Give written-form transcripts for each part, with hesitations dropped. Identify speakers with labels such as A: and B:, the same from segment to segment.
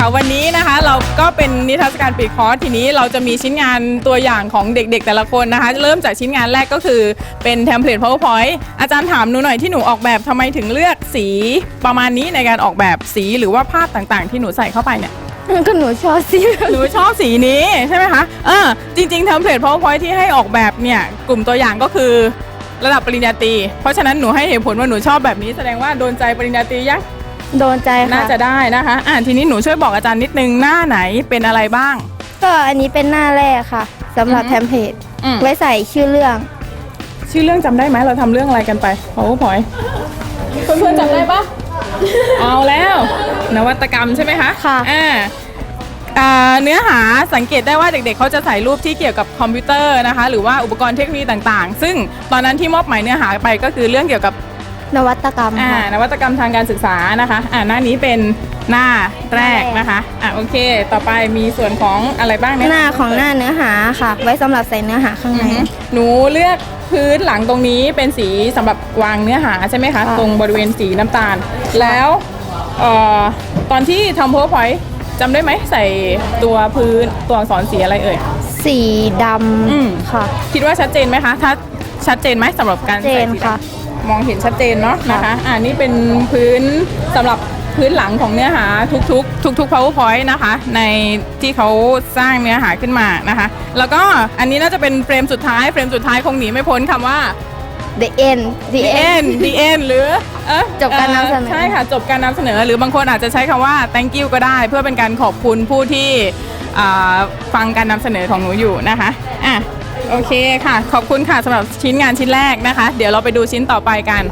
A: ค่ะวันนี้นะคะเราก็เป็นนิทรรศการปิดคอร์สทีนี้เราจะมีชิ้นงานตัวอย่างของเด็กๆแต่ละคนนะคะเริ่มจากชิ้นงานแรกก็คือเป็นเทมเพลต PowerPoint อาจารย์ถามหนูหน่อยที่หนูออกแบบทำไมถึงเลือกสีประมาณนี้ในการออกแบบสีหรือว่าภาพต่างๆที่หนูใส่เข้าไปเนี่ย
B: ก็หนูชอบสี
A: หนูชอบสีนี้ใช่ไหมคะจริงๆเทมเพลต PowerPoint ที่ให้ออกแบบเนี่ยกลุ่มตัวอย่างก็คือระดับปริญญาตรีเพราะฉะนั้นหนูให้เหตุผลว่าหนูชอบแบบนี้แสดงว่าโดนใจปริญญาตรียัง
B: โดนใจค่ะ
A: น่าจะได้นะคะทีนี้หนูช่วยบอกอาจารย์นิดนึงหน้าไหนเป็นอะไรบ้าง
B: ก็อันนี้เป็นหน้าแรกค่ะสำหรับเทมเพลตไว้ใส่ชื่อเรื่อง
A: จำได้ไหมเราทำเรื่องอะไรกันไปPowerPointเพื่อนๆจำได้ปะเอาแล้วนวัตกรรมใช่ไหมคะ
B: ค่ะ
A: เนื้อหาสังเกตได้ว่าเด็กๆเขาจะใส่รูปที่เกี่ยวกับคอมพิวเตอร์นะคะหรือว่าอุปกรณ์เทคโนโลยีต่างๆซึ่งตอนนั้นที่มอบหมายเนื้อหาไปก็คือเรื่องเกี่ยวกับ
B: นวัตกรรม
A: นวัตกรรมทางการศึกษานะคะหน้านี้เป็นหน้าแรกนะคะโอเคต่อไปมีส่วนของอะไรบ้าง
B: หน้าของหน้าเนื้อหาค่ะไว้สำหรับใส่เนื้อหาข้างใน
A: หนูเลือกพื้นหลังตรงนี้เป็นสีสำหรับวางเนื้อหาใช่ไหมคะตรงบริเวณสีน้ำตาลแล้วตอนที่ทำ PowerPoint จำได้ไหมใส่ตัวพื้นตัวอักษรสีอะไรเอ่ย
B: สีดำค่ะ
A: คิดว่าชัดเจนไหมคะถ้าชัดเจนไหมสำหรับการใส่สีดำมองเห็นชัดเจนเนาะนะคะนี่เป็นพื้นสำหรับพื้นหลังของเนื้อหาทุก PowerPoint นะคะในที่เขาสร้างเนื้อหาขึ้นมานะคะแล้วก็อันนี้น่าจะเป็นเฟรมสุดท้ายคงหนีไม่พ้นคำว่า
B: the end
A: หรือ
B: จบการนำเสนอ
A: ใช่ค่ะจบการนำเสนอหรือบางคนอาจจะใช้คำว่า thank you ก็ได้เพื่อเป็นการขอบคุณผู้ที่ฟังการนำเสนอของหนูอยู่นะคะโอเคค่ะขอบคุณค่ะสำหรับชิ้นงานชิ้นแรกนะคะเดี๋ยวเราไปดูชิ้นต่อไปกัน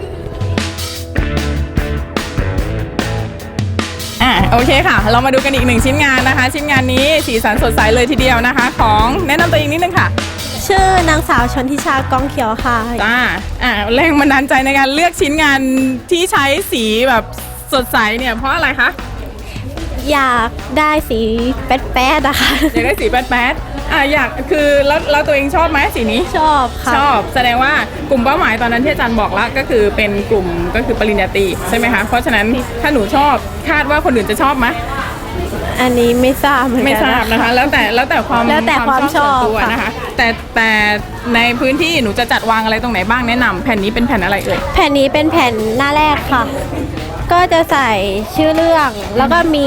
A: โอเคค่ะเรามาดูกันอีกหนึ่งชิ้นงานนะคะชิ้นงานนี้สีสันสดใสเลยทีเดียวนะคะของแนะนำตัวเองนิดนึงค่ะ
B: ชื่อนางสาวชนทิชากองเขียวค่ะ
A: จ้าแรงบันดาลใจในการเลือกชิ้นงานที่ใช้สีแบบสดใสเนี่ยเพราะอะไรคะ
B: อยากได้สีแป๊ดๆนะคะ
A: อยากได้สีแป๊ดอยากคือแล้วตัวเองชอบไหมสีนี้
B: ชอบค่ะ
A: ชอบแสดงว่ากลุ่มเป้าหมายตอนนั้นที่อาจารย์บอกแล้วก็คือเป็นกลุ่มก็คือปริญญาตรีใช่ไหมคะเพราะฉะนั้นถ้าหนูชอบคาดว่าคนอื่นจะชอบไหม
B: อันนี้ไม่ทราบเหมือนกัน
A: ไม่ทราบนะคะแล้วแต่ความชอบตัวนะคะแต่ในพื้นที่หนูจะจัดวางอะไรตรงไหนบ้างแนะนำแผ่นนี้เป็นแผ่นอะไรเอ่ย
B: แผ่นนี้เป็นแผ่นหน้าแรกค่ะก็จะใส่ชื่อเรื่องแล้วก็มี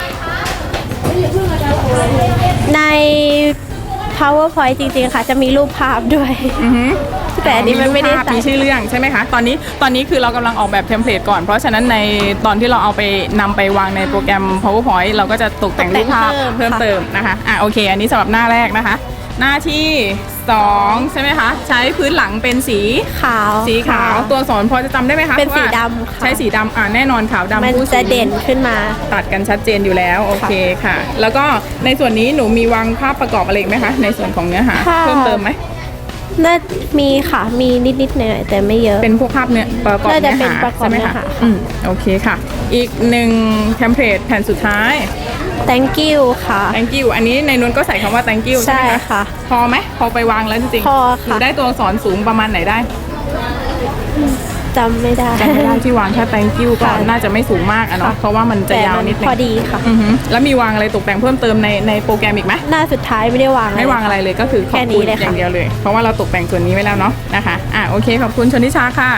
B: ใน PowerPoint จริงๆค่ะจะมีรูปภาพด้วยแต่อันนี้มันไม่ได้ใส่
A: มีชื่อเรื่องใช่ไหมคะตอนนี้คือเรากำลังออกแบบเทมเพลตก่อนเพราะฉะนั้นในตอนที่เราเอาไปนำไปวางในโปรแกรม PowerPoint เราก็จะตกแต่งรูปภาพเพิ่มเติมนะคะโอเคอันนี้สำหรับหน้าแรกนะคะหน้าที่2ใช่ไหมคะใช้พื้นหลังเป็นสีขาวตัวอักษรพอจะจำได้ไหมคะ
B: เป็นสีดำ
A: ใช้สีดำแน่นอนขาวดำ
B: มันจะเด่นขึ้นมา
A: ตัดกันชัดเจนอยู่แล้วโอเคค่ะแล้วก็ในส่วนนี้หนูมีวางภาพประกอบอะไรไหมคะในส่วนของเนื้อหาเพิ่มเติมไหม
B: น่ามีค่ะมีนิดๆหน่อยแต่ไม่เยอะ
A: เป็นพวกภาพเนื้อประกอบเนื้อหาใช่ไหมคะโอเคค่ะอีกหนึ่งเทมเพลตแผ่นสุดท้าย
B: thank you ค่ะ
A: thank you อันนี้ในนู้นก็ใส่คำว่า thank you ใช่ไหมคะพอไหมพอไปวางแล้วจริง
B: ๆพอ
A: ค่ะหนูได้ตัวอักษรสูงประมาณไหนได้
B: จำไม่ได้
A: ที่วางแค่ thank you ก็น่าจะไม่สูงมากเนาะเพราะว่ามันจะยาวนิดนึง
B: พอดีค่ะ
A: แล้วมีวางอะไรตกแต่งเพิ่มเติมในโปรแกรมอีกไหม
B: หน้าสุดท้ายไม่ได้วาง
A: อะไรเลยก็คือขอบคุณอย่างเดียวเลยเพราะว่าเราตกแต่งส่วนนี้ไว้แล้วเนาะนะคะโอเคขอบคุณชนทิชาค่ะ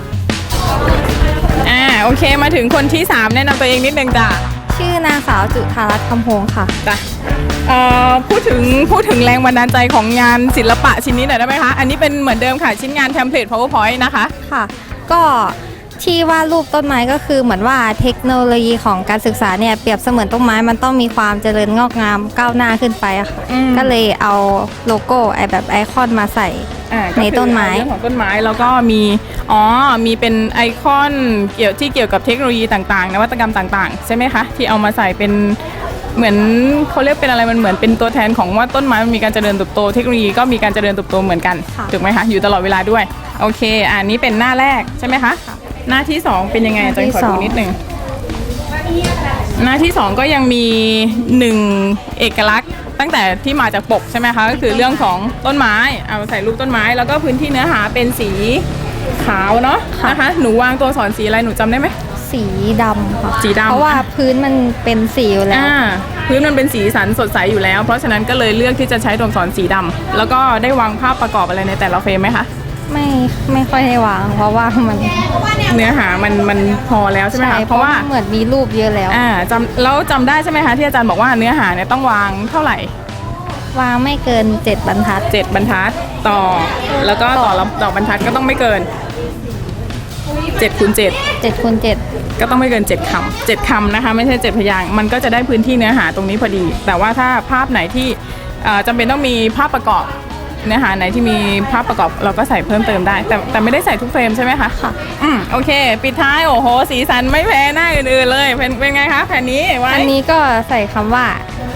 A: โอเคมาถึงคนที่3แนะนำตัวเองนิดนึงจ้ะ
B: ชื่อนางสาวจุฑารัตน์คำพงค่ะ
A: จ้ะพูดถึงแรงบันดาลใจของงานศิลปะชิ้นนี้หน่อยได้ไหมคะอันนี้เป็นเหมือนเดิมค่ะชิ้นงานเทมเพลต PowerPoint นะคะ
C: ค่ะก็ที่วาดรูปต้นไม้ก็คือเหมือนว่าเทคโนโลยีของการศึกษาเนี่ยเปรียบเสมือนต้นไม้มันต้องมีความเจริญงอกงามก้าวหน้าขึ้นไปอะค่ะก็เลยเอาโลโก้แบบไอคอนมาใส่ในต้นไม้
A: เรื่องของต้นไม้แล้วก็มีเป็นไอคอนเกี่ยวกับเทคโนโลยีต่างๆนวัตกรรมต่างๆใช่ไหมคะที่เอามาใส่เป็นเหมือนเขาเรียกเป็นอะไรมันเหมือนเป็นตัวแทนของว่าต้นไม้มันมีการเจริญเติบโตเทคโนโลยีก็มีการเจริญเติบโตเหมือนกันถูกไหมคะอยู่ตลอดเวลาด้วยโอเคอันนี้เป็นหน้าแรกใช่ไหมคะหน้าที่2เป็นยังไงจะขอดูนิดนึงหน้าที่2ก็ยังมี1เอกลักษณ์ตั้งแต่ที่มาจากปกใช่ไหมคะก็คือเรื่องของต้นไม้เอาใส่รูปต้นไม้แล้วก็พื้นที่เนื้อหาเป็นสีขาวเนาะนะคะหนูวางตัวอักษรสีอะไรหนูจำได้ไหม
B: สี
C: สีดำค่ะ
A: สีดำ
C: เพราะว่าพื้นมันเป็นสีอยู่แล้ว
A: พื้นมันเป็นสีสันสดใสอยู่แล้ว เพราะฉะนั้นก็เลยเลือกที่จะใช้ตัวอักษรสีดำแล้วก็ได้วางภาพประกอบอะไรในแต่ละเฟรมไหมคะ
C: ไม่ค่อยให้วาง เพราะว่ามัน
A: เนื้อหามันพอแล้วใช่ไหมคะเพ
C: เพราะ
A: ราะ
C: ว่า
A: ว่า
C: เหมือนมีรูปเยอะแล้ว
A: แล้วจำได้ใช่ไหมคะที่อาจารย์บอกว่าเนื้อหาเนี่ยต้องวางเท่าไหร่
C: วางไม่เกิน 7 บรรทัด
A: 7 บรรทัดต่อแล้วก็ต่อละต่อบรรทัดก็ต้องไม่เกิน7 คูณ 7
C: 7 คูณ 7
A: ก็ต้องไม่เกิน7 คำ7 คำนะคะไม่ใช่ 7 พยางค์มันก็จะได้พื้นที่เนื้อหาตรงนี้พอดี แต่ว่าถ้าภาพไหนที่จำเป็นต้องมีภาพประกอบเนื้อหาไหนที่มีภาพประกอบเราก็ใส่เพิ่มเติมได้ แต่ไม่ได้ใส่ทุกเฟรมใช่ไหมคะ
C: ค่ะ
A: โอเค ปิดท้ายโอ้โหสีสันไม่แพ้หน้าอื่นๆเลยเป็นไงคะแผ่นนี้ไว้
C: อันนี้ก็ใส่คำว่า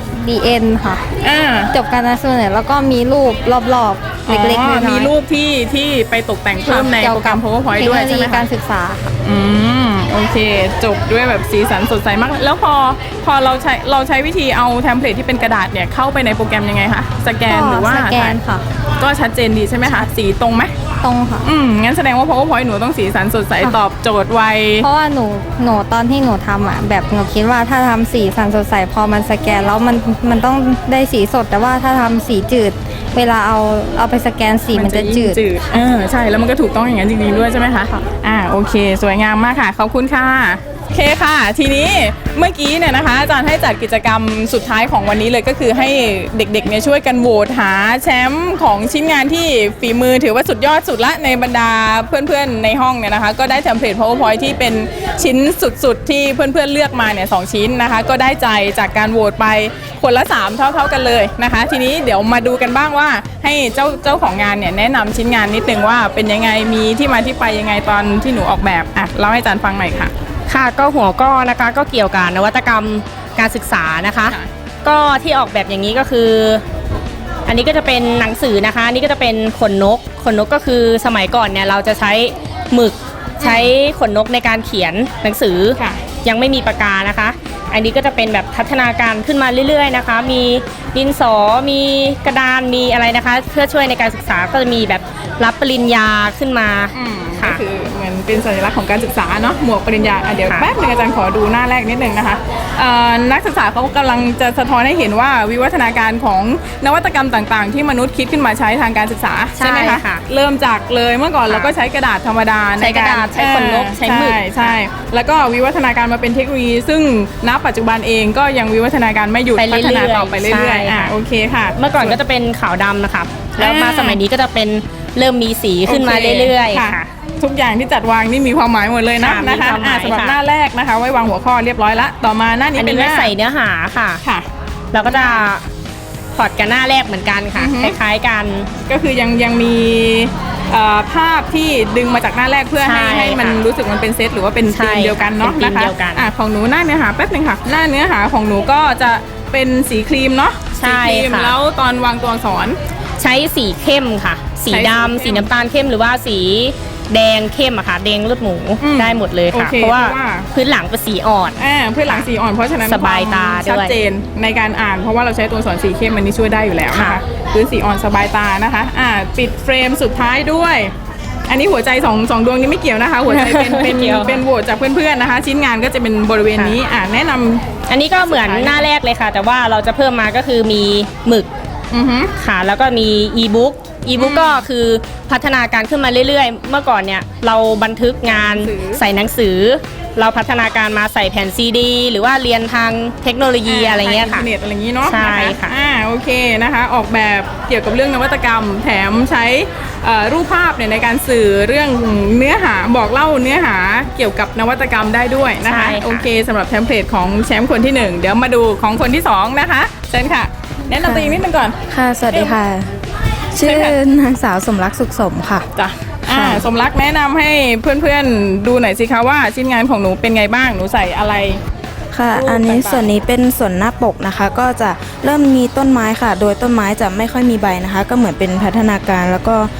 C: DN ค่ะ จบการนำเสนอแล้วก็มีรูปรอบๆ เล็กๆน้อยๆ
A: มีรูปที่ไปตกแต่งเพิ่มในโปรแกรม PowerPoint ด้วยใช่ไหม
C: เทคโนโลยี
A: คะ
C: การศึกษาค่ะ
A: โอเค จบด้วยแบบสีสันสดใสมาก แล้วพอเราใช้วิธีเอาเทมเพลตที่เป็นกระดาษเนี่ยเข้าไปในโปรแกรมยังไงคะสแกนหรือว่า
C: สแกนค่ะ
A: ก็ชัดเจนดีใช่ไหมคะสีตรงไหม
C: ตรงค่ะ
A: งั้นแสดงว่า PowerPoint หนูต้องสีสันสดใส
C: ค่ะ
A: ตอบโจทย์ไว
C: เพราะว่าหนูตอนที่หนูทำอ่ะแบบหนูคิดว่าถ้าทำสีสันสดใสพอมันสแกนแล้วมันต้องได้สีสด แต่ว่าถ้าทำสีจืด เวลาเอาไปสแกนสีมันจะจืด
A: ใช่แล้วมันก็ถูกต้องอย่างนั้นจริงๆด้วยใช่ไหมคะโอเค สวยงามมากค่ะขอบคุณค่ะโอเคค่ะ ทีนี้เมื่อกี้เนี่ยนะคะอาจารย์ให้จัดกิจกรรมสุดท้ายของวันนี้เลยก็คือให้เด็กๆเนี่ยช่วยกันโหวตหาแชมป์ของชิ้นงานที่ฝีมือถือว่าสุดยอดสุดละในบรรดาเพื่อนๆในห้องเนี่ยนะคะก็ได้เทมเพลต PowerPoint ที่เป็นชิ้นสุดๆที่เพื่อนๆเลือกมาเนี่ย2ชิ้นนะคะก็ได้ใจจากการโหวตไปคนละ3เท่าๆกันเลยนะคะ ทีนี้เดี๋ยวมาดูกันบ้างว่าให้เจ้าของงานเนี่ยแนะนำชิ้นงานนิดนึงว่าเป็นยังไงมีที่มาที่ไปยังไงตอนที่หนูออกแบบเล่าให้อาจารย์ฟังหน่อยค่ะ
D: ค่ะก็หัวข้อนะคะก็เกี่ยวกับนวัตกรรมการศึกษานะคะ
A: ค่ะ
D: ก็ที่ออกแบบอย่างนี้ก็คือ อันนี้ก็จะเป็นหนังสือนะคะอันนี้ก็จะเป็นขนนกก็คือสมัยก่อนเนี่ยเราจะใช้หมึกใช้ขนนกในการเขียนหนังสือ
A: ค่ะ
D: ยังไม่มีปากกานะคะ อันนี้ก็จะเป็นแบบพัฒนาการขึ้นมาเรื่อยๆนะคะ มีดินสอมีกระดานมีอะไรนะคะ เพื่อช่วยในการศึกษาก็จะมีแบบรับปริญญาขึ้นมา
A: ก็
D: ค่ะ
A: คือเหมือนเป็นสัญลักษณ์ของการศึกษาเนาะหมวกปริญญาเดี๋ยว
D: ค่ะ
A: แป๊บนึงอาจารย์ขอดูหน้าแรกนิดนึงนะคะนักศึกษาเขากำลังจะสะท้อนให้เห็นว่าวิวัฒนาการของนวัตกรรมต่างๆ ที่มนุษย์คิดขึ้นมาใช้ทางการศึกษาใช่ไหมคะเริ่มจากเลยเมื่อก่อนเราก็ใช้กระดาษธรรมดา
D: ใช้กระดาษใช้ขนนกใช้หมึก
A: ใช่แล้วก็วิวัฒนาการมาเป็นเทคโนโลยีซึ่งณปัจจุบันเองก็ยังวิวัฒนาการไม่หยุด
D: ไป
A: พั
D: เรื่
A: ฒ
D: อยๆ
A: นาต่อไปเรื่อย
D: ใช่
A: ๆ
D: ค่ะ
A: โอเคค่ะ
D: เมื่อก่อนก็จะเป็นขาวดำนะคะแล้วมาสมัยนี้ก็จะเป็นเริ่มมีสีขึ้นมา
A: โค
D: เรื่อยๆค่ะ
A: ทุกอย่างที่จัดวางนี่มีความหมายหมดเลยนะ
D: ค่ะ
A: นะคะ
D: มีความหมาย
A: สำหรับ
D: ค่ะ
A: หน้าแรกนะคะ ไว้วางหัวข้อเรียบร้อยละต่อมาหน้านี้
D: อัน
A: เป็
D: นี้
A: นห
D: ไว้
A: น้า
D: ใส่เนื้อหาค่ะ
A: ค่ะ
D: เราก็จะพอร์ตกันหน้าแรกเหมือนกันค่ะ
A: อือฮึ
D: คล้ายๆกัน
A: ก็คือยังมีภาพที่ดึงมาจากหน้าแรกเพื่อ
D: ใช่
A: ให้มัน
D: ค่ะ
A: รู้สึกมันเป็นเซตหรือว่าเป็น
D: ใช่
A: ธีมเดียวกันเนาะ
D: เป็นธีม
A: นะคะ
D: เดียวกัน
A: ของหนูหน้าเนื้อหาแป๊บนึงค่ะ หน้าเนื้อหาของหนูก็จะเป็นสีครีมเนาะ
D: ใช่
A: สีครีม
D: ค่ะ
A: แล้วตอนวางตัวอักษร
D: ใช้สีเข้มค่ะ สี
A: ใช้สีเข้ม
D: ดำสีน้ำตาลเข้มหรือว่าสีแดงเข้มอะค่ะแดงเลือดหมู ได้หมดเลยค่ะ
A: โอเค
D: เพราะว่า
A: เพราะว่า
D: พื้นหลังเป็นสีอ่อน
A: เพื่อหลังสีอ่อนเพราะฉะนั้น
D: สบายตา
A: ควม
D: ด้วย
A: ชัดเจนในการอ่านเพราะว่าเราใช้ตัวอักษรสีเข้มมันนี่ช่วยได้อยู่แล้วนะคะ
D: ค่ะ
A: พื้นสีอ่อนสบายตานะคะปิดเฟรมสุดท้ายด้วย อันนี้หัวใจสองดวงนี้ไม่เกี่ยวนะคะ หัวใจเป็น
D: ไม่เกี่ยว
A: เป็นโหวตจากเพื่อนๆนะคะ ชิ้นงานก็จะเป็นบริเวณนี้แนะนำ
D: อันนี้ก็เหมือนหน้าแรกเลยค่ะ แต่ว่าเราจะเพิ่มมาก็คือมีหมึก
A: อือฮึ
D: ค่ะแล้วก็มีอีบุ๊กก็คือพัฒนาการขึ้นมาเรื่อยๆ เมื่อก่อนเนี่ยเราบันทึกงานใส่หนังสือ เราพัฒนาการมาใส่แผ่นซีดีหรือว่าเรียนทางเทคโนโลยีอะไรเงี้ยค่ะ
A: ทางอินเทอร์เน็ตอะไรอย่างนี้เนาะ
D: ใช่
A: น
D: ค่ะ
A: โอเคนะคะออกแบบเกี่ยวกับเรื่องนวัตกรรม แถมใช้รูปภาพเนี่ยในการสื่อเรื่องเนื้อหาบอกเล่าเนื้อหาเกี่ยวกับนวัตกรรมได้ด้วยนะคะ
D: ใช่ค่ะ
A: โอเคสำหรับเทมเพลตของแชมป์คนที่ 1 เดี๋ยวมาดูของคนที่ 2 นะคะเชิญค่ะ แนะนำตัวเองนิดนึงก่อน
E: ค่ะ สวัสดีค่ะ ชื่อนางสาวสมรักสุขสมค่ะ
A: จ้ะ
E: ค่ะ
A: สมรักแนะนำให้เพื่อนๆดูหน่อยสิคะว่าชิ้นงานของหนูเป็นไงบ้างหนูใส่อะไร
E: ค่ะ
A: รูป
E: อันนี้
A: ต่างๆ
E: ส่วนนี้เป็นส่วนหน้าปกนะคะ ก็จะเริ่มมีต้นไม้ค่ะ โดยต้นไม้จะไม่ค่อยมีใบนะคะ ก็เหมือนเป็นพัฒนาการแล้วก็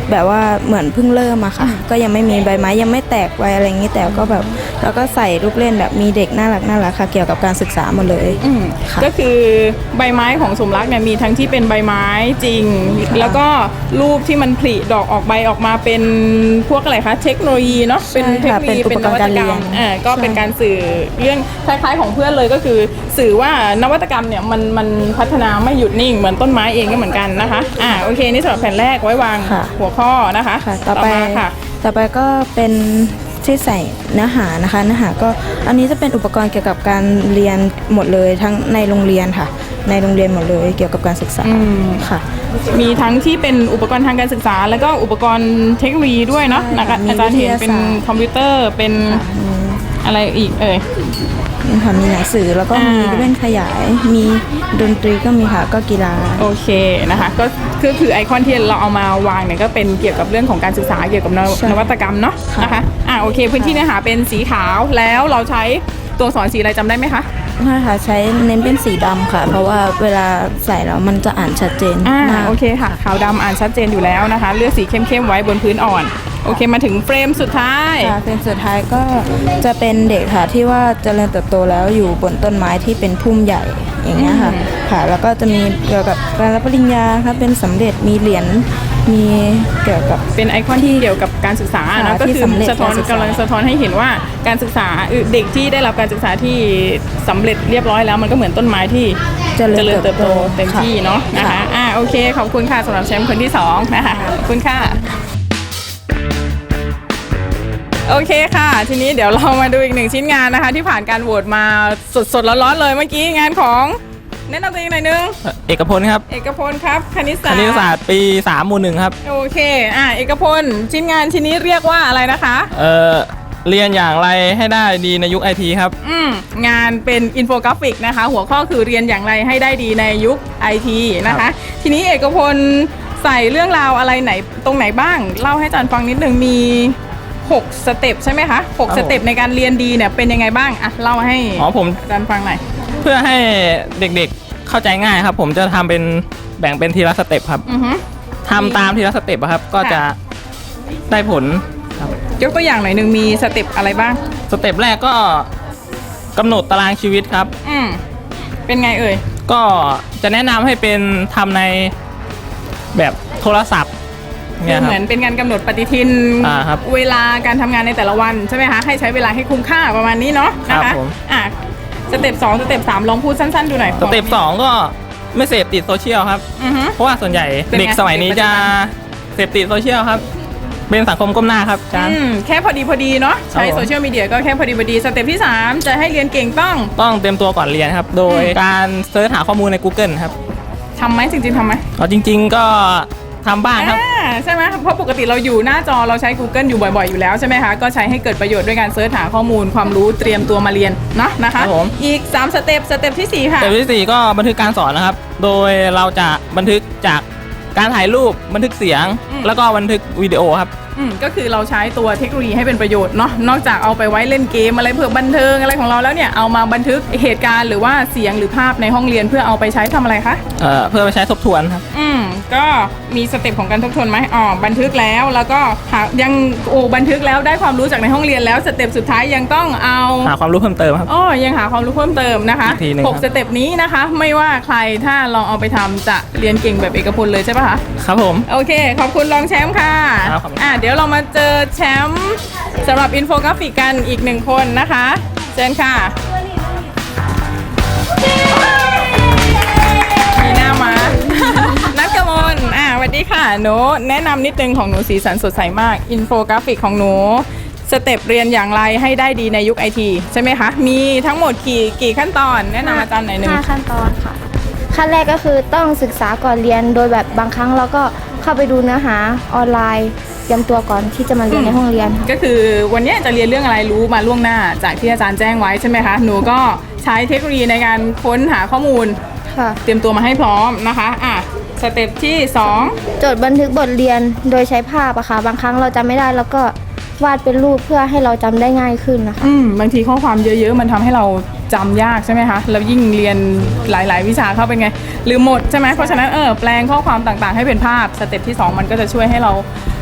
E: แบบว่าเหมือนเพิ่งเริ่มอะค่ะ ก็ยังไม่มีใบไม้ยังไม่แตกใบอะไรอย่างนี้แต่ก็แบบแล้วก็ใส่ลูกเล่นแบบมีเด็กน่ารักค่ะ เกี่ยวกับการศึกษาหมดเลยค่ะ
A: ก็คือใบไม้ของสมรักเนี่ยมีทั้งที่เป็นใบไม้จริง แล้วก็รูปที่มันผลิดอกออกใบออกมาเป็นพวกอะไรคะเทคโนโลยีเนาะเป็นเทคโนโลยี
E: เป็นอุปกรณ์การเรียน
A: ก็เป็นการสื่อเรื่องคล้ายๆของเพื่อนเลยก็คือสื่อว่านวัตกรรมเนี่ยมันพัฒนาไม่หยุดนิ่งเหมือนต้นไม้เองก็เหมือนกันนะคะโอเคนี่สำหรับแผ่นแรกไว้วาง
E: ค่ะ
A: หัวข้อนะคะ
E: ค่ะต่อไป
A: มาค่ะ
E: ต่อไปก็เป็นที่ใส่เนื้อหานะคะเนื้อหาก็อันนี้จะเป็นอุปกรณ์เกี่ยวกับการเรียนหมดเลยทั้งในโรงเรียนค่ะ ในโรงเรียนหมดเลยเกี่ยวกับการศึกษาค่ะ
A: มีทั้งที่เป็นอุปกรณ์ทางการศึกษา แล้วก็อุปกรณ์เทคโนโลยีด้วยเนาะ
E: ใช่
A: นะคะ
E: มี
A: อาจารย์เห็นเป็น
E: วิทยาศาสตร์
A: คอมพิวเตอร์เป็นอะไรอีก
E: นี่ค่ะมีหนังสือแล้วก็มีเล่นขยายมีดนตรีก็มีค่ะก็กีฬา
A: โอเคนะคะก็คือไอคอนที่เราเอามาวางเนี่ยก็เป็นเกี่ยวกับเรื่องของการศึกษาเกี่ยวกับ
E: ใช่
A: นวัตกรรมเนาะนะคะโอเคพื้นที่เนื้อหาเป็นสีขาวแล้วเราใช้ตัวอักษรสีอะไรจำได้ไหมคะ
E: ใช่ค่ะใช้เน้นเป็นสีดำค่ะ เพราะว่าเวลาใส่แล้วมันจะอ่านชัดเจนมาก
A: โอเคค่ะขาวดำอ่านชัดเจนอยู่แล้วนะคะเลือกสีเข้มๆไว้บนพื้นอ่อนโอเคมาถึงเฟรมสุดท้าย
E: ค่ะเป็นสุดท้ายก็จะเป็นเด็กค่ะที่ว่าเจริญเติบโตแล้วอยู่บนต้นไม้ที่เป็นพุ่มใหญ่อย่างเงี้ยค่ะค่ะแล้วก็จะมีเกี่ยวกับการรับปริญญาค่ะเป็นสำเร็จมีเหรียญมีเกี่ยวกับ
A: เป็นไอคอนที่เกี่ยวกับการศึกษา
E: ค่ะ
A: นะก็
E: ที่
A: คือ
E: สำเร็จ
A: สะท้อน
E: การศึกษาก
A: ำลังสะท้อนให้เห็นว่าการศึกษาเด็กที่ได้รับการศึกษาที่สำเร็จเรียบร้อยแล้วมันก็เหมือนต้นไม้ที่
E: เจริญ
A: เติบโตเต็ม
E: ค่ะ
A: ที่เนาะนะคะ
E: ค่ะ
A: โอเคขอบคุณค่ะสำหรับแชมป์คนที่สองนะคะขอบคุณค่ะโอเคค่ะ ทีนี้เดี๋ยวเรามาดูอีกหนึ่งชิ้นงานนะคะ ที่ผ่านการโหวตมาสดๆร้อนๆเลยเมื่อกี้งานของแนะนำตัวเองหน่อยนึง
F: เอกพลครับ
A: เอกพลครับคณิต
F: ค
A: ศาสตร์
F: ณิตศาสตร์ปี3หมู่1ครับ
A: โอเคเอกพลชิ้นงานชิ้นนี้เรียกว่าอะไรนะคะ
F: เรียนอย่างไรให้ได้ดีในยุคไอทีครับ
A: งานเป็นอินโฟกราฟิกนะคะ หัวข้อคือเรียนอย่างไรให้ได้ดีในยุคไอทีนะคะ ทีนี้เอกพลใส่เรื่องราวอะไรไหนตรงไหนบ้าง เล่าให้อาจารย์ฟังนิดนึงมี6สเต็ปใช่ไหมคะ6สเต็ปในการเรียนดีเนี่ยเป็นยังไงบ้างเล่าให้
F: ผม
A: อาจารย์ฟังหน่อย
F: เพื่อให้เด็กๆเข้าใจง่ายครับ ผมจะทำเป็นแบ่งเป็นทีละสเต็ปครับ
A: อือฮึ
F: ทำตามทีละสเต็ปอะครับ ก็จะได้ผลครับ
A: ยกตัวอย่างหน่อยหนึ่งมีสเต็ปอะไรบ้าง
F: สเต็ปแรกก็กำหนดตารางชีวิตครับ
A: เป็นไงเอ่ย
F: ก็จะแนะนำให้เป็นทำในแบบโทรศัพท์
A: คื
F: เนี่
A: อย
F: ค
A: เห
F: รับ
A: มือนเป็นการกำหนดปฏิทิน
F: ครับ
A: เวลาการทำงานในแต่ละวันใช่ไหมคะให้ใช้เวลาให้คุ้มค่าประมาณนี้เนาะนะ
F: ครั
A: คะ
F: บผม
A: สเต็ป2สเต็ป3ลองพูดสั้นๆดูหน่อย
F: สเต็ป2ก็ไม่เสพติดโซเชียลครับ
A: อือฮึ
F: เพราะว่าส่วนใหญ่
A: เป็นไง
F: เด็กสมัยนี้จะเสพติดโซเชียลครับ เป็นสังคมก้มหน้าครับอาจารย์
A: แค่พอดีเนาะใช้
F: ครับผม
A: โซเชียลมีเดียก็แค่พอดีสเต็ปที่ 3 จะให้เรียนเก่งต้อง
F: ต้องเตรียมตัวก่อนเรียนครับ โดยการเสิร์ชหาข้อมูลใน Google ครับ
A: ทำไหมจริงๆทำไหม
F: จริง ๆก็ทำบ้างครับ
A: ใช่ไหมเพราะปกติเราอยู่หน้าจอเราใช้ Google อยู่บ่อยๆอยู่แล้วใช่ไหมคะก็ใช้ให้เกิดประโยชน์ด้วยการเสิร์ชหาข้อมูลความรู้เตรียมตัวมาเรียนเนาะนะคะ
F: ครับผม
A: อีก3สเต็ปที่ 4 ค่ะ
F: สเต็ปที่ 4 ก็บันทึกการสอนนะครับ โดยเราจะบันทึกจากการถ่ายรูปบันทึกเสียง แล้วก็บันทึกวิดีโอครับ
A: ก็คือเราใช้ตัวเทคโนโลยีให้เป็นประโยชน์เนาะนอกจากเอาไปไว้เล่นเกมอะไรเพื่อบันเทิงอะไรของเราแล้วเนี่ยเอามาบันทึกเหตุการณ์หรือว่าเสียงหรือภาพในห้องเรียนเพื่อเอาไปใช้ทำอะไรคะ
F: เพื่อไปใช้ทบทวนครับ
A: ก็มีสเต็ปของการทบทวนไหมบันทึกแล้วก็ยังบันทึกแล้วได้ความรู้จากในห้องเรียนแล้วสเต็ปสุดท้ายยังต้องเอา
F: หาความรู้เพิ่มเติมครับ
A: ยังหาความรู้เพิ่มเติมนะคะ
F: อีกทีหนึ่งครับ
A: 6สเต็ปนี้นะคะไม่ว่าใครถ้าลองเอาไปทำจะเรียนเก่งแบบเอกพลเลยใช่ปะคะ
F: ครับผม
A: โอเค ขอบคุณรองแชมป์ค่ะ
F: ครับขอบคุณ
A: เดี๋ยวเรามาเจอแชมป์สำหรับอินโฟกราฟิกกันอีก1คนนะคะเชิญค่ะมีหน้ามา นัทกมลสวัสดีค่ะหนูแนะนำนิดนึงของหนูสีสันสดใสมากอินโฟกราฟิกของหนูสเต็ปเรียนอย่างไรให้ได้ดีในยุคไอทีใช่ไหมคะมีทั้งหมดกี่ขั้นตอนแนะนำอาจารย์หน่อยหนึง
B: 5 ขั้นตอนค่ะ ขั้นแรกก็คือต้องศึกษาก่อนเรียนโดยแบบบางครั้งเราก็เข้าไปดูเนื้อหาออนไลน์เตรียมตัวก่อนที่จะมาเรียนในห้องเรียนค่ะ
A: ก็คือวันนี้จะเรียนเรื่องอะไรรู้มาล่วงหน้าจากที่อาจารย์แจ้งไว้ใช่ไหมคะหนูก็ใช้เทคโนโลยีในการค้นหาข้อมูล
B: ค่ะ
A: เตรียมตัวมาให้พร้อมนะคะสเต็ปที่
B: จดบันทึกบทเรียนโดยใช้ภาพอะค่ะ บางครั้งเราจำไม่ได้แล้วก็วาดเป็นรูปเพื่อให้เราจำได้ง่ายขึ้นนะคะ
A: 2บางทีข้อความเยอะๆ มันทำให้เราจำยากใช่ไหมคะแล้วยิ่งเรียนหลายๆ วิชาเข้าเป็นไงลืมหมดใช่ไหมเพราะฉะนั้นแปลงข้อความต่างๆ ให้เป็นภาพสเต็ปที่ 2 มันก็จะช่วยให้เรา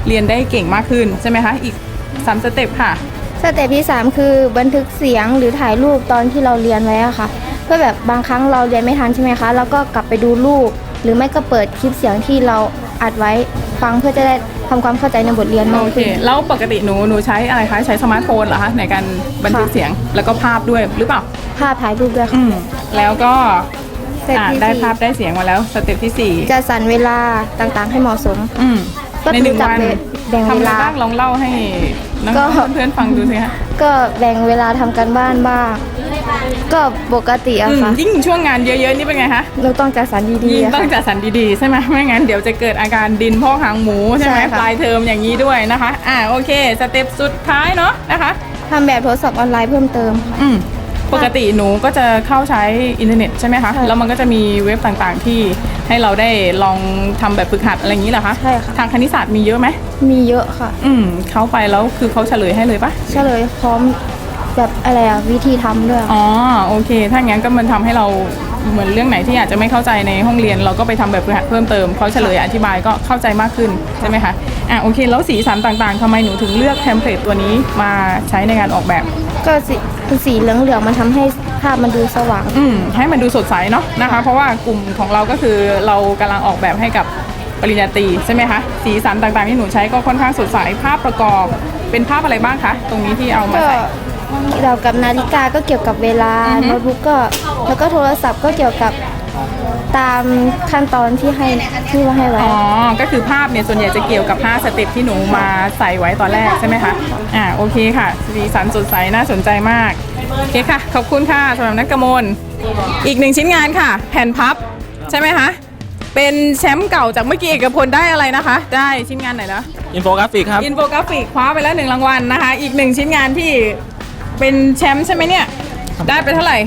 A: เรียนได้เก่งมากขึ้นใช่ไหมคะอีก3สเต็ปค่ะ
B: สเต็ปที่ 3 คือบันทึกเสียงหรือถ่ายรูปตอนที่เราเรียนไว้อะค่ะ เพื่อแบบบางครั้งเราเรียนไม่ทันใช่ไหมคะแล้วก็กลับไปดูรูป หรือไม่ก็เปิดคลิปเสียงที่เราอัดไว้ฟังเพื่อจะได้ทำความเข้าใจในบทเรียนมาก
A: โอเค
B: ขึ้น
A: แล้วปกติหนูใช้อะไรคะใช้สมาร์ทโฟนเหรอคะในการบันทึก
B: ค่ะ
A: เสียงแล้วก็ภาพด้วยหรือเปล่า
B: ภาพถ่ายรูปด้วยค่ะ
A: แล้วก็
B: สเต็ปที่
A: ได้
B: สี่
A: ภาพได้เสียงมาแล้วสเต็ปที่
B: จะสั่นเวลาต่างๆให้เหมาะสม
A: 4
B: ก็
A: ในหนึ่ง
B: จับ
A: วัน
B: แบ่ง
A: ทำ
B: เว
A: อะไร
B: ลา
A: บ้างลองเล่าให้น้
B: ก็
A: องๆเพื่อนๆฟังดูสิคะ
B: ก็แบ่งเวลาทำการบ้านบ้าง ก็ปกติอะค่ะ
A: ยิ่งช่วงงานเยอะๆนี่เป็นไงคะ
B: เราต้องจัดสรรดี
A: ยิ่
B: ๆ
A: ง
B: อะ
A: ต้อ
B: ค่ะ
A: งจัดสรรดีๆใช่ไหมไม่งั้นเดี๋ยวจะเกิดอาการดินพอกหางหมูใช่ไหม
B: ใช่ค่ะ
A: ปลายเทอมอย่างนี้ด้วยนะคะโอเคสเต็ปสุดท้ายเนาะนะคะ
B: ทำแบบทดสอบออนไลน์เพิ่มเติมค่ะ
A: ปกติหนูก็จะเข้าใช้อินเทอร์เน็ตใช่ไหมคะ
B: ใช่
A: แล้วมันก็จะมีเว็บต่างๆที่ให้เราได้ลองทำแบบฝึกหัดอะไรอย่างนี้เหรอคะ
B: ใช่ค่ะ
A: ทางคณิตศาสตร์มีเยอะไหม
B: มีเยอะค่ะ
A: เข้าไปแล้วคือเขาเฉลยให้เลยปะ
B: เฉลยพร้อมแบบอะไรอะวิธีทำด้วย
A: อ๋อโอเค ถ้างั้นก็มันทำให้เราเหมือนเรื่องไหนที่อาจจะไม่เข้าใจในห้องเรียน เราก็ไปทำแบบฝึกหัดเพิ่มเติมเขาเฉลยอธิบายก็เข้าใจมากขึ้นใช่ไหมคะโอเคแล้วสีสันต่างๆทำไมหนูถึงเลือกเทมเพลตตัวนี้มาใช้ในการออกแบบ
B: ก็สีเหลืองๆมันทำให้ภาพมันดูสว่าง
A: ให้มันดูสดใสเนาะนะคะ เพราะว่ากลุ่มของเราก็คือเรากำลังออกแบบให้กับปริญญาตรีใช่ไหมคะสีสันต่างๆที่หนูใช้ก็ค่อนข้างสดใสภาพประกอบเป็นภาพอะไรบ้างคะตรงนี้ที่เอามา
B: ก็
A: ใส่
B: เรากับนาฬิกาก็เกี่ยวกับเวลาโน้ตบุ๊กก็แล้วก็โทรศัพท์ก็เกี่ยวกับตามขั้นตอนที่ว่าให้ไว้
A: อ๋อก็คือภาพเนี่ยส่วนใหญ่จะเกี่ยวกับ5สเต็ปที่หนูมาใส่ไว้ตอนแรกใช่ไหมคะโอเคค่ะสีสันสดใสน่าสนใจมากโอเคค่ะขอบคุณค่ะสำหรับนักกมลอีก1ชิ้นงานค่ะ แผ่นพับใช่ไหมคะเป็นแชมป์เก่าจากเมื่อกี้เอกพลได้อะไรนะคะ ได้ชิ้นงานไหนนะ
F: อินโฟกราฟิกครับ
A: อินโฟกราฟิกคว้าไปแล้ว1รางวัลนะคะอีก1ชิ้นงานที่เป็นแชมป์ใช่ไหมเนี่ยได้ไปเท่าไหร่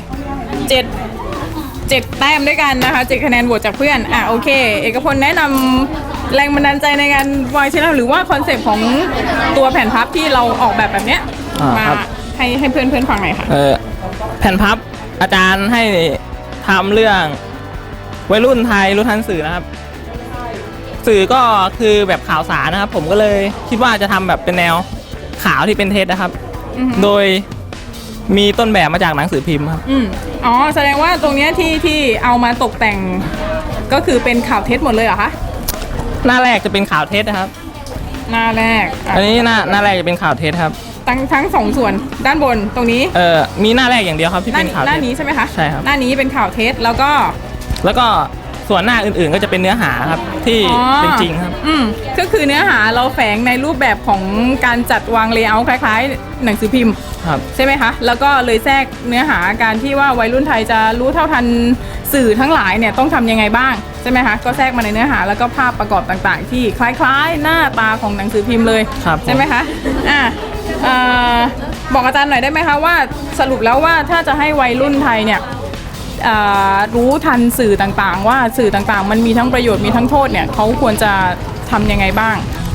A: 7แต้มด้วยกันนะคะ7คะแนนโหวตจากเพื่อนโอเคเอกพลแนะนำแรงบันดาลใจในการวางชิ้นงานหรือว่าคอนเซปต์ของตัวแผ่นพับที่เราออกแบบเนี้ยมา
F: ครับ
A: ให้เพื่อนฟังหน่อยค่ะ
F: แผ่นพับอาจารย์ให้ทำเรื่องวัยรุ่นไทยรู้ทันสื่อนะครับ สื่อก็คือแบบข่าวสารนะครับ ผมก็เลยคิดว่าจะทำแบบเป็นแนวข่าวที่เป็นเท็จนะครับ โดยมีต้นแบบมาจากหนังสือพิมพ์ครับ
A: อ๋อแสดงว่าตรงเนี้ยที่เอามาตกแต่งก็คือเป็นข่าวเท็จหมดเลยเหรอคะ
F: หน้าแรกจะเป็นข่าวเท็จนะครับ
A: หน้าแรก
F: อันนี้หน้าแรกจะเป็นข่าวเท็จครับ
A: ทั้งสองส่วนด้านบนตรงนี้
F: มีหน้าแรกอย่างเดียวครับที่เป็นข่าว
A: ห
F: เท็
A: น้า
F: จ
A: นี้ใช่ไหมคะ
F: ใช่ครับ
A: หน้านี้เป็นข่าวเท็จแล้วก็
F: แล้วก็ส่วนหน้าอื่นๆก็จะเป็นเนื้อหาครับที่เป็นจริงครับ
A: ก็คือเนื้อหาเราแฝงในรูปแบบของการจัดวางเลเยอร์คล้ายๆ หนังสือพิมพ์
F: ครับ
A: ใช่ไหมคะแล้วก็เลยแทรกเนื้อหาการที่ว่าวัยรุ่นไทยจะรู้เท่าทันสื่อทั้งหลายเนี่ยต้องทำยังไงบ้างใช่ไหมคะก็แทรกมาในเนื้อหาแล้วก็ภาพประกอบต่างๆ ที่คล้ายๆ หน้าตาของหนังสือพิมพ์เลย
F: ครับ
A: ใช่ไหมคะบอกอาจารย์หน่อยได้ไหมคะว่าสรุปแล้วว่าถ้าจะให้วัยรุ่นไทยเนี่ยรู้ทันสื่อต่างๆ ว่าสื่อต่างๆ มันมีทั้งประโยชน์มีทั้งโทษเนี่ยเขาควรจะทำยังไงบ้าง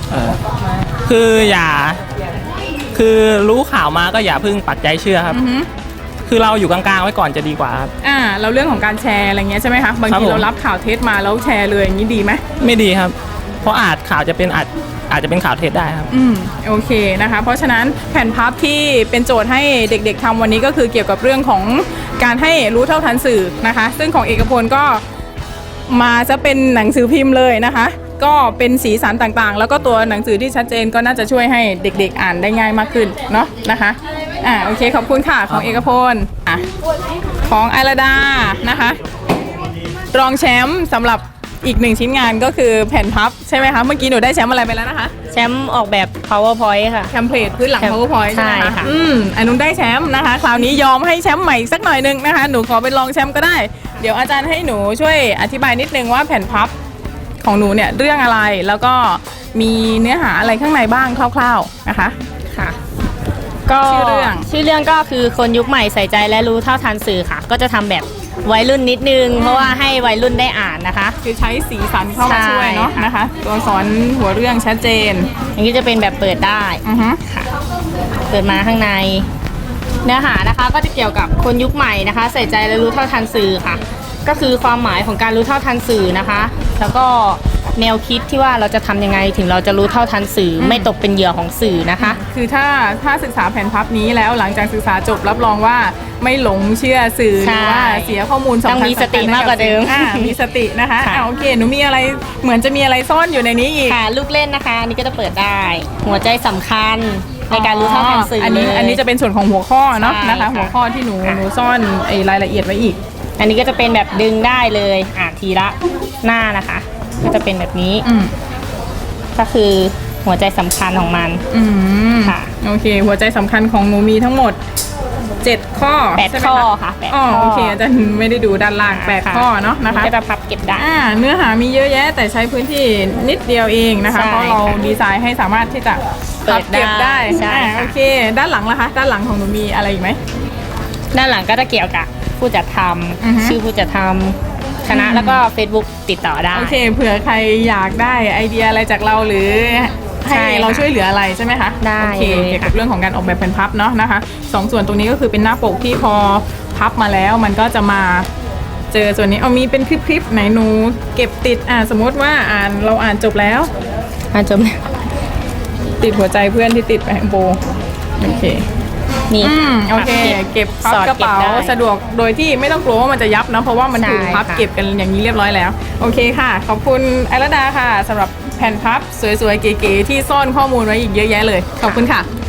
F: คือรู้ข่าวมาก็อย่าเพิ่งปักใจเชื่อครับ คือเราอยู่กลางๆไว้ก่อนจะดีกว่าครับ
A: เราเรื่องของการแชร์อะไรเงี้ยใช่ไหมคะบาง
F: ครับ
A: ที
F: ผม
A: เรารับข่าวเท็จมาแล้วแชร์เลยอย่างนี้ดีไหม
F: ไม่ดีครับ เพราะข่าวจะเป็นอาจจะเป็นข่าวเท็จได้ครับ
A: โอเคนะคะเพราะฉะนั้นแผ่นพับที่เป็นโจทย์ให้เด็กๆทำวันนี้ก็คือเกี่ยวกับเรื่องของการให้รู้เท่าทันสื่อนะคะซึ่งของเอกพลก็มาจะเป็นหนังสือพิมพ์เลยนะคะ ก็เป็นสีสันต่างๆ แล้วก็ตัวหนังสือที่ชัดเจนก็น่าจะช่วยให้เด็กๆอ่านได้ง่ายมากขึ้นเนาะนะคะโอเคขอบคุณค่ะของเอกพลของไอราดานะคะรองแชมป์สำหรับอีก1ชิ้นงานก็คือแผ่นพับใช่ไหมคะเมื่อกี้หนูได้แชมป์อะไรไปแล้วนะคะ
D: แชมป์ออกแบบ powerpoint ค่ะ
A: เทมเพลตพื้นหลัง powerpoint ใช่ไหม
D: ใช่
A: คะ
D: ค่ะ
A: อันนุ้นได้แชมป์นะคะ คราวนี้ยอมให้แชมป์ใหม่อีกสักหน่อยนึงนะคะ หนูขอเป็นรองแชมป์ก็ได้ เดี๋ยวอาจารย์ให้หนูช่วยอธิบายนิดนึงว่าแผ่นพับของหนูเนี่ยเรื่องอะไร แล้วก็มีเนื้อหาอะไรข้างในบ้างคร่าวๆนะคะ
D: ค่ะ ก็
A: ชื่อเรื่อง
D: ก็คือคนยุคใหม่ใส่ใจและรู้เท่าทันสื่อค่ะ ก็จะทำแบบวัยรุ่นนิดนึง เพราะว่าให้วัยรุ่นได้อ่านนะคะ
A: คือใช้สีสันเข้ามาช่วยเนาะ
D: ใช่ค่ะ
A: นะคะ ตัวสอนหัวเรื่องชัดเจน
D: อย่างนี้จะเป็นแบบเปิดได้
A: อือฮึ
D: เปิดมาข้างใน เนื้อหานะคะก็จะเกี่ยวกับคนยุคใหม่นะคะ ใส่ใจและรู้เท่าทันสื่อค่ะ ก็คือความหมายของการรู้เท่าทันสื่อนะคะ แล้วก็แนวคิดที่ว่าเราจะทำยังไงถึงเราจะรู้เท่าทันสื่อไม่ตกเป็นเหยื่อของสื่อนะคะ
A: คือถ้าศึกษาแผนพับนี้แล้วหลังจากศึกษาจบรับรองว่าไม่หลงเชื่อสื่อห
D: ใช่
A: รือว่าเสียข้อมูลสำคัญ
D: ต้องมีสติมากกว่าเดิม
A: มีสตินะคะ
D: ค่ะ
A: โอเคหนูมีอะไรเหมือนจะมีอะไรซ่อนอยู่ในนี้อีก
D: ค่ะลูกเล่นนะคะอันนี้ก็จะเปิดได้ หัวใจสำคัญในการรู้เท่าทันสื่อ
A: อัน
D: เล
A: นี้
D: ย
A: อันนี้จะเป็นส่วนของหัวข้อเนาะ
D: ใช่
A: นะคะ
D: ค่ะ
A: หัวข้อที่หนูซ่อนไอ้รายละเอียดไว้อีก
D: อันนี้ก็จะเป็นแบบดึงได้เลยทีละหน้านะคะ ก็จะเป็นแบบนี้
A: อืม
D: ก็คือหัวใจสำคัญของมัน
A: อืม
D: ค่ะ
A: โอเค หัวใจสำคัญของหนูมีทั้งหมด 7 ข้อ
D: 8
A: ใช่ไหม
D: ข้อค่ะ8
A: อ๋อ
D: ข้อ
A: โอเคอาจารย์ไม่ได้ดูด้านล่าง
D: ค่ะ
A: 8 ข้อเนาะนะคะ
D: ก็จะพับเก็บได้
A: เนื้อหามีเยอะแยะแต่ใช้พื้นที่นิดเดียวเองนะคะ
D: ใช่
A: เพราะเราดีไซน์ให้สามารถที่จะ
D: เปิดได้
A: เก็บได้
D: ใช่ค่ะ
A: โอเค ด้านหลังล่ะคะ ด้านหลังของหนูมีอะไรอีกไหม
D: ด้านหลังก็จะเกี่ยวกับผู้จัดท
A: อือฮึ
D: ำชื่อผู้จัดทำคณะแล้วก็ Facebook ติดต่อได้
A: โอเคเผื่อใครอยากได้ไอเดียอะไรจากเราหรือให้
D: ใช่ค่ะ
A: เราช่วยเหลืออะไรใช่ไหมคะ
D: ได้
A: โอเค
D: เลย
A: เกี่ยว
D: ค่ะ
A: กับเรื่องของการออกแบบแผ่นพับเนาะนะคะสองส่วนตรงนี้ก็คือเป็นหน้าปกที่พอพับมาแล้วมันก็จะมาเจอส่วนนี้เอามีเป็นคลิปๆไหนหนูเก็บติดสมมติว่าเราอ่านจบแล้ว
D: จบ
A: ติดหัวใจเพื่อนที่ติดไปข้างโบโอเค
D: นี่
A: โอเค เก็บพับ
D: สอด
A: กระเป๋า
D: ก็บได้
A: สะดวกโดยที่ไม่ต้องกลัวว่ามันจะยับนะเพราะว่ามันถูก
D: ใช่
A: พับ
D: ค่ะ
A: เก็บกันอย่างนี้เรียบร้อยแล้วโอเคค่ะ ขอบคุณไอรดาค่ะสำหรับแผ่นพับสวยๆเก๋ๆที่ซ่อนข้อมูลไว้อีกเยอะแยะเลยขอบคุณค่ะ